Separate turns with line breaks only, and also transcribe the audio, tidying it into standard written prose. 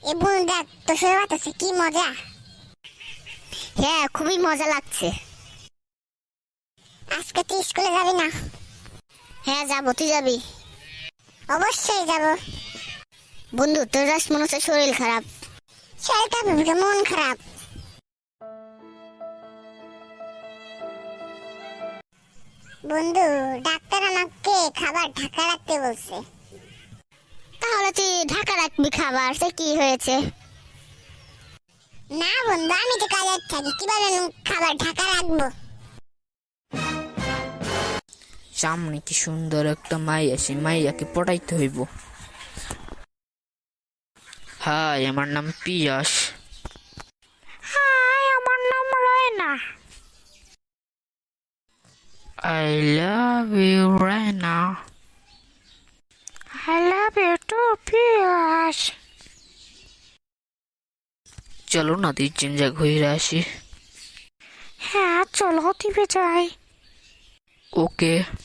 এ বন্ধু দেখ তো শুয়ে বাতাসে কি মজা।
হ্যাঁ, খুবই মজা লাগছে।
আজকে তুই স্কুলে যাবি না?
হ্যাঁ যাবো, তুই যাবি?
অবশ্যই যাব।
বন্ধু, তোর আজ মনে হচ্ছে শরীর খারাপ।
শরীরটা ভেবে মন খারাপ। বন্ধু, ডাক্তার আমাকে খাবার ঢাকা রাখতে বলছে।
তাহলে তুই ঢাকা রাখবি খাবার, সে কি হয়েছে?
না বন্ধু, আমি তো কাজে থাকি, কিভাবে আমি খাবার ঢাকা রাখবো?
সামনে কি সুন্দর একটা মাইয়া, সেই মাইয়াকে পটাইতে হইব। হাই, আমার নাম পিয়াস।
হাই, আমার নাম Raina.
I love you Raina.
I love you too Piyas.
চলো না দুইজন যা ঘুরে আসি।
হ্যাঁ চলো, টিভি যাই।
ওকে।